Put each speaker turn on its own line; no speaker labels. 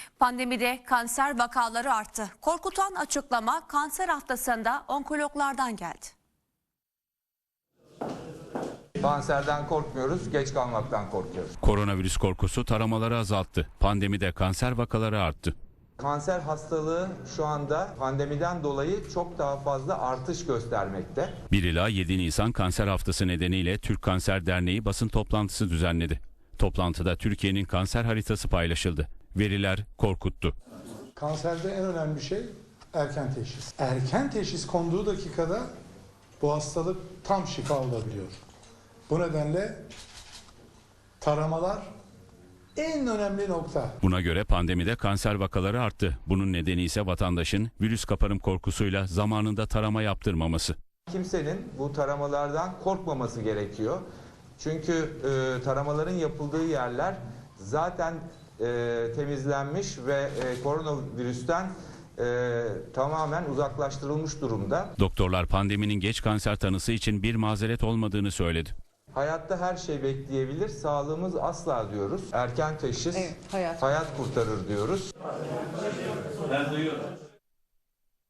Pandemide kanser vakaları arttı. Korkutan açıklama kanser haftasında onkologlardan geldi.
Kanserden korkmuyoruz, geç kalmaktan korkuyoruz.
Koronavirüs korkusu taramaları azalttı. Pandemide kanser vakaları arttı.
Kanser hastalığı şu anda pandemiden dolayı çok daha fazla artış göstermekte.
1 ila 7 Nisan Kanser Haftası nedeniyle Türk Kanser Derneği basın toplantısı düzenledi. Toplantıda Türkiye'nin kanser haritası paylaşıldı. Veriler korkuttu.
Kanserde en önemli şey erken teşhis. Erken teşhis konduğu dakikada bu hastalık tam şifa olabiliyor. Bu nedenle taramalar en önemli nokta.
Buna göre pandemide kanser vakaları arttı. Bunun nedeni ise vatandaşın virüs kaparım korkusuyla zamanında tarama yaptırmaması.
Kimsenin bu taramalardan korkmaması gerekiyor. Çünkü taramaların yapıldığı yerler zaten temizlenmiş ve koronavirüsten tamamen uzaklaştırılmış durumda.
Doktorlar pandeminin geç kanser tanısı için bir mazeret olmadığını söyledi.
Hayatta her şey bekleyebilir, sağlığımız asla diyoruz. Erken teşhis
Evet, hayat
hayat kurtarır diyoruz.
Ben duyuyorum.